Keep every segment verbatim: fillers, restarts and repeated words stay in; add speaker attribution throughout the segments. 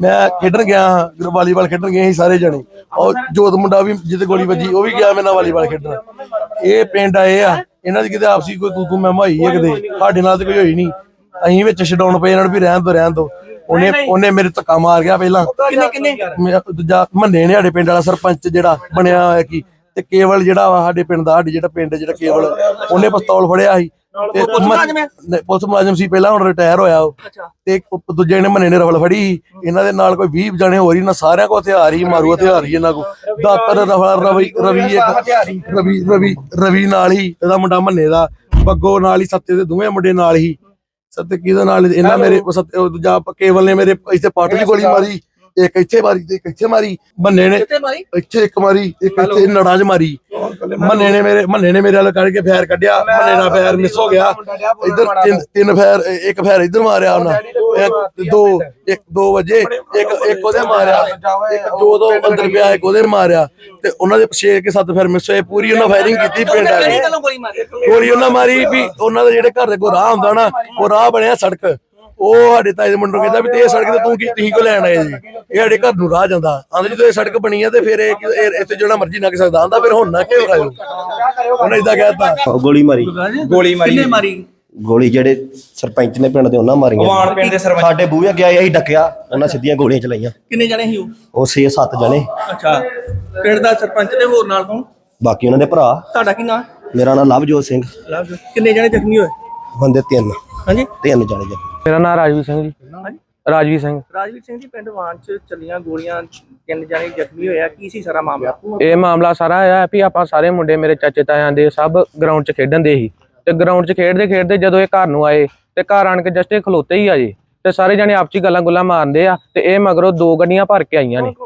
Speaker 1: मैं खेडन गया हाँ वालीबाल खेडन गए सारे जने और जोत मुंडा भी जिते गोली वजी वो भी गया मेरे नाल वालीबाल खेडन। ये पिंड आए आ इन्हां दी किते आपसी कोई तू तू मैं होई है किते साडे नाल ते कोई होई नहीं अहीं विच छडाउण पए इन्हां नूं भी रहन दो रहन दो। ਉਹਨੇ ਉਹਨੇ ਮੇਰੇ ਧੱਕਾ ਮਾਰ ਗਿਆ ਪਹਿਲਾਂ ਕਿੰਨੇ ਕਿੰਨੇ ਦੂਜਾ ਮੰਨੇ ਨੇ ਸਾਡੇ ਪਿੰਡ ਵਾਲਾ ਸਰਪੰਚ ਜਿਹੜਾ ਬਣਿਆ ਹੋਇਆ ਕੀ ਤੇ ਕੇਵਲ ਜਿਹੜਾ ਵਾ ਸਾਡੇ ਪਿੰਡ ਦਾ ਸਾਡੇ ਜਿਹੜਾ ਪਿੰਡ ਜਿਹੜਾ ਕੇਵਲ ਉਹਨੇ ਪਿਸਤੌਲ ਫੜਿਆ ਸੀ ਤੇ ਪੁਲਿਸ ਮੁਲਾਜ਼ਮ ਸੀ ਪਹਿਲਾਂ ਹੁਣ ਰਿਟਾਇਰ ਹੋਇਆ ਉਹ ਤੇ ਦੂਜੇ ਨੇ ਮੰਨੇ ਨੇ ਰਫਲ ਫੜੀ ਇਹਨਾਂ ਦੇ ਨਾਲ ਕੋਈ ਵੀਹ ਜਣੇ ਹੋਰ ਹੀ ਨਾ ਸਾਰਿਆਂ ਕੋਲ ਹਥਿਆਰ ਹੀ ਮਾਰੂ ਹਥਿਆਰ ਹੀ ਇਹਨਾਂ ਕੋਲ ਦਾਤਰ ਰਫਲ ਰਵੀ ਰਵੀ ਇੱਕ ਰਵੀ ਰਵੀ ਰਵੀ ਨਾਲ ਹੀ ਇਹਦਾ ਮੁੰਡਾ ਮੰਨੇ ਦਾ ਬੱਗੋ ਨਾਲ ਹੀ ਸੱਤੇ ਦੇ ਦੋਵੇਂ ਮੁੰਡੇ ਨਾਲ ਹੀ सत्य की इन्हें मेरे दूजा केवल ने मेरे इतने पट की गोली मारी एक इत्थे मारी एक इत्थे मारी मन्ने ने इत्थे एक मारी एक इत्थे नड़ा च मारी मन्ने ने मेरे मन्ने ने मेरे वाल करके फैर कढ़िया मन्ने दा फैर मिस हो गया इधर तीन तीन फैर एक फैर इधर मारिया उन्हें दो एक दो बजे एक एक ओदे मारिया एक जो दो अंदर पिया एक ओदे मारिया ते उन्हां दे छे के सत्त फैर मिस होए पूरी उन्हां फायरिंग कीती पिंड वाले गोली उन्हां मारी भी उन्हां दे जेहड़े घर दे कोई राह हुंदा ना वो राह बनया सड़क ਉਹ ਸਾਡੇ ਤਾਏ ਦੇ ਮੁੰਡੇ ਨੂੰ ਕਹਿੰਦਾ ਵੀ ਤੇ ਇਹ ਸੜਕ ਤੇ ਤੂੰ ਕੀ ਤੁਸੀਂ ਕਿਉਂ ਲੈਣ ਆਏ ਜੀ ਇਹ ਸਾਡੇ ਘਰ ਨੂੰ ਰਾਹ ਜਾਂਦਾ ਆਂਦੇ ਜਦੋਂ ਇਹ ਸੜਕ ਬਣੀ ਆ ਤੇ ਫਿਰ ਇਹ ਇੱਥੇ ਜਿਹੜਾ ਮਰਜ਼ੀ ਲੰਘ ਸਕਦਾ ਆਂਦਾ ਫਿਰ ਹੁਣ ਨਾ ਕਿਉਂ ਰਾਜੋ ਉਹਨੇ ਇਦਾਂ ਕਹਿਤਾ
Speaker 2: ਗੋਲੀ ਮਾਰੀ
Speaker 3: ਗੋਲੀ ਮਾਰੀ ਕਿੰਨੇ ਮਾਰੀ
Speaker 2: ਗੋਲੀ ਜਿਹੜੇ ਸਰਪੰਚ ਨੇ ਪਿੰਡ ਦੇ ਉਹਨਾਂ ਮਾਰੀਆਂ
Speaker 3: ਵਾਣ ਪਿੰਡ ਦੇ ਸਰਪੰਚ
Speaker 2: ਸਾਡੇ ਬੂਹੇ ਗਿਆ ਅਸੀਂ ਡੱਕਿਆ ਉਹਨਾਂ ਸਿੱਧੀਆਂ ਗੋਲੀਆਂ ਚਲਾਈਆਂ
Speaker 3: ਕਿੰਨੇ ਜਣੇ ਸੀ ਉਹ
Speaker 2: ਉਹ ਛੇ ਸੱਤ ਜਣੇ
Speaker 3: ਅੱਛਾ ਪਿੰਡ ਦਾ ਸਰਪੰਚ ਤੇ ਹੋਰ ਨਾਲ ਕੌਣ
Speaker 2: ਬਾਕੀ ਉਹਨਾਂ ਦੇ ਭਰਾ
Speaker 3: ਤੁਹਾਡਾ ਕੀ ਨਾਮ
Speaker 2: ਮੇਰਾ ਨਾਮ ਲਵਜੋਤ ਸਿੰਘ
Speaker 3: ਲਵਜੋਤ ਕਿੰਨੇ ਜਣੇ ਜ਼ਖਮੀ ਹੋਏ
Speaker 2: ਬੰਦੇ ਤਿੰਨ
Speaker 3: ਹਾਂਜੀ
Speaker 2: ਤਿੰਨ ਜਣੇ ਜੀ
Speaker 4: ਮੇਰਾ ਨਾਮ ਰਾਜਵੀਰ ਸਿੰਘ ਜੀ
Speaker 3: ਹਾਂਜੀ
Speaker 4: ਰਾਜਵੀਰ ਸਿੰਘ
Speaker 3: ਰਾਜਵੀਰ ਸਿੰਘ ਜੀ ਪਿੰਡ ਵਾਣ ਚ ਚੱਲੀਆਂ ਗੋਲੀਆਂ ਤਿੰਨ ਜਣੇ ਜ਼ਖਮੀ ਹੋਇਆ ਕੀ ਸੀ ਸਾਰਾ ਮਾਮਲਾ
Speaker 4: ਇਹ ਮਾਮਲਾ ਸਾਰਾ ਇਹ ਆ ਵੀ ਆਪਾਂ ਸਾਰੇ ਮੁੰਡੇ ਮੇਰੇ ਚਾਚੇ ਤਾਇਆਂ ਦੇ ਸਭ ਗਰਾਊਂਡ 'ਚ ਖੇਡਣ ਦੇ ਸੀ ਤੇ ਗਰਾਊਂਡ 'ਚ ਖੇਡਦੇ ਖੇਡਦੇ ਜਦੋਂ ਇਹ ਘਰ ਨੂੰ ਆਏ ਤੇ ਘਰ ਆਣ ਕੇ ਜਸਟ ਇਹ ਖਲੋਤੇ ਹੀ ਆ ਜੀ ਤੇ ਸਾਰੇ ਜਣੇ ਆਪਸੀ ਗੱਲਾਂ ਗੁੱਲਾਂ ਮਾਰਦੇ ਆ ਤੇ ਇਹ ਮਗਰੋਂ ਦੋ ਗੱਡੀਆਂ ਭਰ ਕੇ ਆਈਆਂ ਨੇ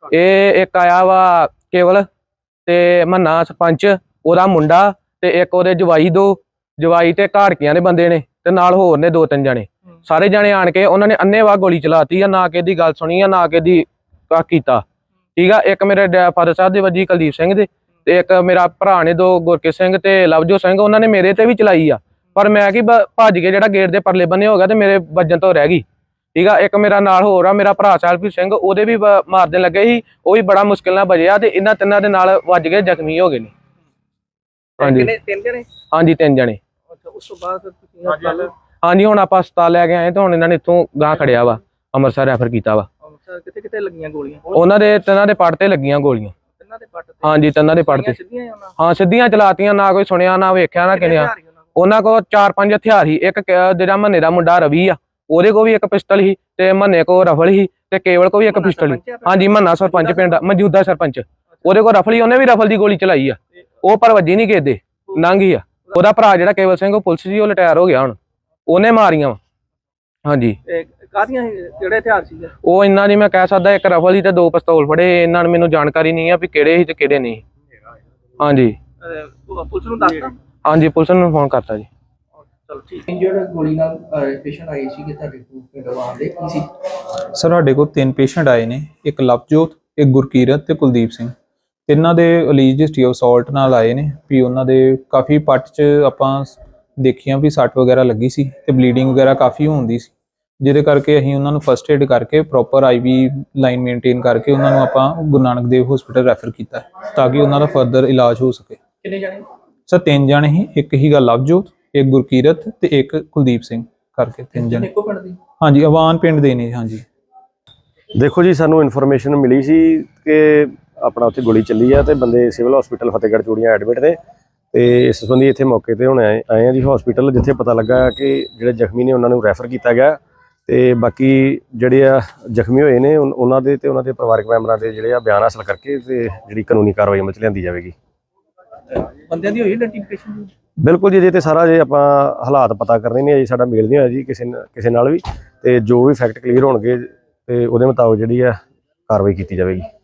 Speaker 4: ਇਹ ਇੱਕ ਆਇਆ ਵਾ ਕੇਵਲ ਤੇ ਮੰਨਾ ਸਰਪੰਚ ਉਹਦਾ ਮੁੰਡਾ ਤੇ ਇੱਕ ਉਹਦੇ ਜਵਾਈ ਦੋ ਜਵਾਈ ਤੇ ਘਾੜਕੀਆਂ ਦੇ ਬੰਦੇ ਨੇ ਤੇ ਨਾਲ ਹੋਰ ਨੇ ਦੋ ਤਿੰਨ ਜਣੇ ਸਾਰੇ ਜਣੇ ਆਣ ਕੇ ਉਹਨਾਂ ਨੇ ਅੰਨੇਵਾਹ ਗੋਲੀ ਚਲਾਤੀ ਆ ਨਾ ਕਿ ਦੀ ਗੱਲ ਸੁਣੀ ਆ ਨਾ ਕਿ ਦੀ ਕੀਤਾ ਠੀਕ ਆ। ਇੱਕ ਮੇਰੇ ਫਾਦਰ ਸਾਹਿਬ ਦੇ ਵੱਜੀ ਕੁਲਦੀਪ ਸਿੰਘ ਦੇ ਤੇ ਇੱਕ ਮੇਰਾ ਭਰਾ ਨੇ ਦੋ ਗੁਰਕੇ ਸਿੰਘ ਤੇ ਲਵਜੋਤ ਸਿੰਘ ਉਹਨਾਂ ਨੇ ਮੇਰੇ ਤੇ ਵੀ ਚਲਾਈ ਆ ਪਰ ਮੈਂ ਕੀ ਭੱਜ ਕੇ ਜਿਹੜਾ ਗੇਟ ਦੇ ਪਰਲੇ ਬੰਨੇ ਹੋ ਗਿਆ ਤੇ ਮੇਰੇ ਵੱਜਣ ਤੋਂ ਰਹਿ ਗਈ ਠੀਕ ਆ। ਇੱਕ ਮੇਰਾ ਨਾਲ ਹੋਰ ਆ ਮੇਰਾ ਭਰਾ ਸਾਹਿਬ ਸਿੰਘ ਉਹਦੇ ਵੀ ਮਾਰਦੇ ਲੱਗੇ ਸੀ ਉਹ ਵੀ ਬੜਾ ਮੁਸ਼ਕਿਲ ਨਾਲ ਬਜਿਆ ਤੇ ਇਹਨਾਂ ਤਿੰਨਾਂ ਦੇ ਨਾਲ ਵੱਜ ਕੇ ਜ਼ਖਮੀ ਹੋ ਗਏ ਨੇ। ਹਾਂਜੀ
Speaker 3: ਤਿੰਨ ਜਣੇ
Speaker 4: ਹਾਂਜੀ ਤਿੰਨ ਜਣੇ
Speaker 3: ਉਸ ਤੋਂ ਬਾਅਦ ਤੁਸੀਂ
Speaker 4: ਹਾਂਜੀ ਹੁਣ ਆਪਾਂ ਹਸਪਤਾਲ ਲੈ ਕੇ ਆਏ ਤੇ ਹੁਣ ਇਹਨਾਂ ਨੇ ਇੱਥੋਂ ਗਾਂ ਖੜਿਆ ਵਾ ਅੰਮ੍ਰਿਤਸਰ ਰੈਫਰ ਕੀਤਾ ਵਾ।
Speaker 3: ਕਿੱਥੇ ਕਿੱਥੇ ਲੱਗੀਆਂ ਗੋਲੀਆਂ
Speaker 4: ਉਹਨਾਂ ਦੇ ਤਿੰਨਾਂ ਦੇ ਪੱਟ ਤੇ ਲੱਗੀਆਂ ਗੋਲੀਆਂ
Speaker 3: ਤਿੰਨਾਂ ਦੇ ਪੱਟ ਤੇ
Speaker 4: ਹਾਂਜੀ ਤਿੰਨਾਂ ਦੇ ਪੱਟ ਤੇ ਹਾਂ ਸਿੱਧੀਆਂ ਚਲਾਤੀਆਂ ਨਾ ਕੋਈ ਸੁਣਿਆ ਨਾ ਵੇਖਿਆ ਨਾ ਕਿਨਿਆ ਉਹਨਾਂ ਕੋਲ ਚਾਰ ਪੰਜ ਹਥਿਆਰ ਸੀ ਇੱਕ ਜਿਹੜਾ ਮੰਨੇ ਦਾ ਮੁੰਡਾ ਰਵੀ ਆ ਉਹਦੇ ਕੋਲ ਵੀ ਇੱਕ ਪਿਸਟਲ ਸੀ ਤੇ ਮੰਨੇ ਕੋਲ ਰਫਲ ਸੀ ਤੇ ਕੇਵਲ ਕੋਲ ਵੀ ਇੱਕ ਪਿਸਟਲ ਸੀ। ਹਾਂਜੀ ਮੰਨਾ ਸਰਪੰਚ ਪਿੰਡ ਦਾ ਮੌਜੂਦਾ ਸਰਪੰਚ ਉਹਦੇ ਕੋਲ ਰਫਲ ਸੀ ਉਹਨੇ ਵੀ ਰਫਲ ਦੀ ਗੋਲੀ ਚਲਾਈ ਆ ਉਹ ਪਰ ਵੱਜੀ ਨਹੀਂ ਕਿਸੇ ਲੰਘ ਗਈ ਆ। ਉਹਦਾ ਭਰਾ ਜਿਹੜਾ ਕੇਵਲ ਸਿੰਘ ਉਹ ਪੁਲਿਸ ਸੀ ਉਹ ਰਿਟਾਇਰ ਹੋ ਗਿਆ ਹੁਣ ਉਹਨੇ ਮਾਰੀਆਂ ਵਾ। ਹਾਂਜੀ
Speaker 3: ਕਾਹਦੀਆਂ ਕਿਹੜੇ ਹਥਿਆਰ ਸੀ
Speaker 4: ਉਹ ਇੰਨਾ ਨਹੀਂ ਮੈਂ ਕਹਿ ਸਕਦਾ ਇੱਕ ਰਫਲ ਸੀ ਤੇ ਦੋ ਪਿਸਤੌਲ ਫੜੇ ਇਹਨਾਂ ਨੂੰ ਮੈਨੂੰ ਜਾਣਕਾਰੀ ਨਹੀਂ ਆ ਵੀ ਕਿਹੜੇ ਸੀ ਤੇ ਕਿਹੜੇ ਨਹੀਂ। ਹਾਂਜੀ
Speaker 3: ਪੁਲਿਸ ਨੂੰ ਦੱਸਤਾ
Speaker 4: ਹਾਂਜੀ ਪੁਲਿਸ ਨੂੰ ਫੋਨ ਕਰਤਾ ਜੀ।
Speaker 3: ਚਲੋ ਠੀਕ ਜਿਹੜਾ ਗੋਲੀ ਨਾਲ ਪੇਸ਼ੈਂਟ ਆਏ ਸੀ ਕਿ ਤੁਹਾਡੇ ਕੋਲ ਦਵਾਈ ਦੇ ਕੀ ਸੀ
Speaker 5: ਸਰ ਸਾਡੇ ਕੋਲ ਤਿੰਨ ਪੇਸ਼ੈਂਟ ਆਏ ਨੇ ਇੱਕ ਲਵਜੋਤ ਇੱਕ ਗੁਰਕੀਰਤ ਤੇ ਕੁਲਦੀਪ ਸਿੰਘ ਤਿੰਨਾਂ ਦੇ ਅਲੀਜ ਹਿਸਟਰੀ ਆਫ ਅਸੌਲਟ ਨਾਲ ਆਏ ਨੇ ਵੀ ਉਹਨਾਂ ਦੇ ਕਾਫੀ ਪੱਟ 'ਚ ਆਪਾਂ ਦੇਖੀਆਂ ਵੀ ਸੱਟ ਵਗੈਰਾ ਲੱਗੀ ਸੀ ਤੇ ਬਲੀਡਿੰਗ ਵਗੈਰਾ ਕਾਫੀ ਹੁੰਦੀ ਸੀ ਜਿਹਦੇ ਕਰਕੇ ਅਸੀਂ ਉਹਨਾਂ ਨੂੰ ਫਸਟ ਏਡ ਕਰਕੇ ਪ੍ਰੋਪਰ ਆਈਵੀ ਲਾਈਨ ਮੇਨਟੇਨ ਕਰਕੇ ਉਹਨਾਂ ਨੂੰ ਆਪਾਂ ਗੁਰੂ ਨਾਨਕ ਦੇਵ ਹਸਪੀਟਲ ਰੈਫਰ ਕੀਤਾ ਤਾਂ ਕਿ ਉਹਨਾਂ ਦਾ ਫਰਦਰ ਇਲਾਜ ਹੋ ਸਕੇ।
Speaker 3: ਕਿੰਨੇ ਜਣੇ
Speaker 5: ਸਰ ਤਿੰਨ ਜਣੇ ਹੀ ਇੱਕ ਹੀਗਾ ਲਵਜੋਤ ਇੱਕ ਗੁਰਕੀਰਤ ਤੇ ਇੱਕ ਕੁਲਦੀਪ ਸਿੰਘ ਕਰਕੇ ਤਿੰਨ ਜਣੇ
Speaker 3: ਇੱਕੋ ਪਿੰਡ ਦੇ
Speaker 5: ਹਾਂਜੀ ਅਵਾਨ ਪਿੰਡ ਦੇ ਨੇ। ਹਾਂਜੀ
Speaker 2: ਦੇਖੋ ਜੀ ਸਾਨੂੰ ਇਨਫੋਰਮੇਸ਼ਨ ਮਿਲੀ ਸੀ ਕਿ ਆਪਣਾ ਉੱਥੇ ਗੋਲੀ ਚੱਲੀ ਆ ਤੇ ਬੰਦੇ ਸਿਵਲ ਹਸਪੀਟਲ ਫਤਿਹਗੜ੍ਹ ਚੂੜੀਆਂ ਐਡਮਿਟ ਨੇ ਤੇ ਇਸ ਸੰਬੰਧੀ ਇੱਥੇ ਮੌਕੇ ਤੇ ਹੁਣ ਆਏ ਆਏ ਆ ਜੀ ਹਸਪੀਟਲ ਜਿੱਥੇ ਪਤਾ ਲੱਗਾ ਕਿ ਜਿਹੜੇ ਜ਼ਖਮੀ ਨੇ ਉਹਨਾਂ ਨੂੰ ਰੈਫਰ ਕੀਤਾ ਗਿਆ ਤੇ ਬਾਕੀ ਜਿਹੜੇ ਆ ਜ਼ਖਮੀ ਹੋਏ ਨੇ ਉਹਨਾਂ ਦੇ ਤੇ ਉਹਨਾਂ ਦੇ ਪਰਿਵਾਰਕ ਮੈਂਬਰਾਂ ਦੇ ਜਿਹੜੇ ਆ ਬਿਆਨ ਹਾਸਲ ਕਰਕੇ ਤੇ ਜਿਹੜੀ ਕਾਨੂੰਨੀ ਕਾਰਵਾਈ ਅਮਲ ਚ ਲਿਆਂਦੀ ਜਾਵੇਗੀ।
Speaker 3: ਬੰਦਿਆਂ ਦੀ ਹੋਈ ਆਈਡੈਂਟੀਫਿਕੇਸ਼ਨ
Speaker 2: ਬਿਲਕੁਲ ਜੀ ਤੇ ਸਾਰਾ ਜੇ ਆਪਾਂ ਹਾਲਾਤ ਪਤਾ ਕਰਨੇ ਨੇ ਜੀ ਸਾਡਾ ਮੇਲ ਨਹੀਂ ਹੋਇਆ ਜੀ ਕਿਸੇ ਕਿਸੇ ਨਾਲ ਵੀ ਤੇ ਜੋ ਵੀ ਫੈਕਟ ਕਲੀਅਰ ਹੋਣਗੇ ਤੇ ਉਹਦੇ ਮੁਤਾਬਕ ਜਿਹੜੀ ਆ ਕਾਰਵਾਈ ਕੀਤੀ ਜਾਵੇਗੀ।